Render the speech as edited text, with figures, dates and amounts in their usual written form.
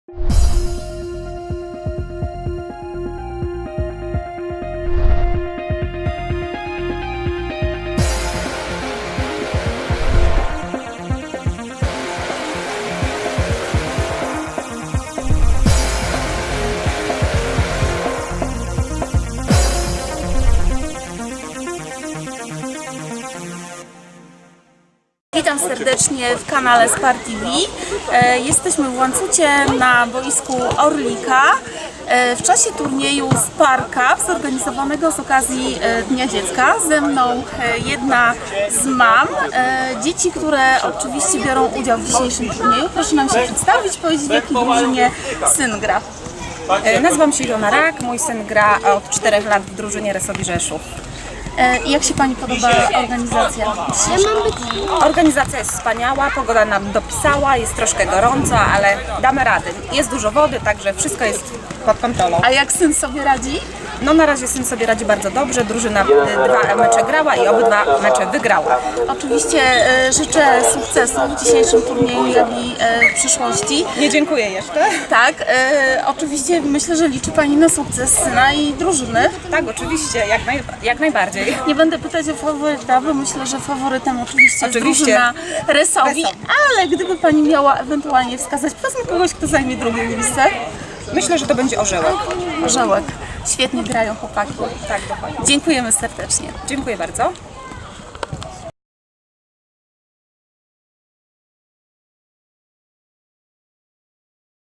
Witam serdecznie w kanale Spar TV. Jesteśmy w Łańcucie na boisku Orlika w czasie turnieju Spar Cup zorganizowanego z okazji Dnia Dziecka. Ze mną jedna z mam dzieci, które oczywiście biorą udział w dzisiejszym turnieju. Proszę nam się przedstawić, powiedzieć, w jakiej drużynie syn gra. Nazywam się Ilona Rak, mój syn gra od 4 lat w drużynie Resowi Rzeszów. I jak się Pani podoba organizacja? Organizacja jest wspaniała, pogoda nam dopisała, jest troszkę gorąco, ale damy radę. Jest dużo wody, także wszystko jest pod kontrolą. A jak syn sobie radzi? No na razie syn sobie radzi bardzo dobrze, drużyna 2 mecze grała i obydwa mecze wygrała. Oczywiście życzę sukcesu w dzisiejszym turnieju, jak i w przyszłości. Nie dziękuję jeszcze. Tak, oczywiście myślę, że liczy Pani na sukces syna i drużyny. Tak, oczywiście, jak najbardziej. Nie będę pytać o faworyta, bo myślę, że faworytem oczywiście jest drużyna Resowi, ale gdyby Pani miała ewentualnie wskazać, powiedzmy kogoś, kto zajmie drugie miejsce. Myślę, że to będzie Orzełek. Orzełek. Świetnie grają chłopaki. Tak, dokładnie. Dziękujemy serdecznie. Dziękuję bardzo.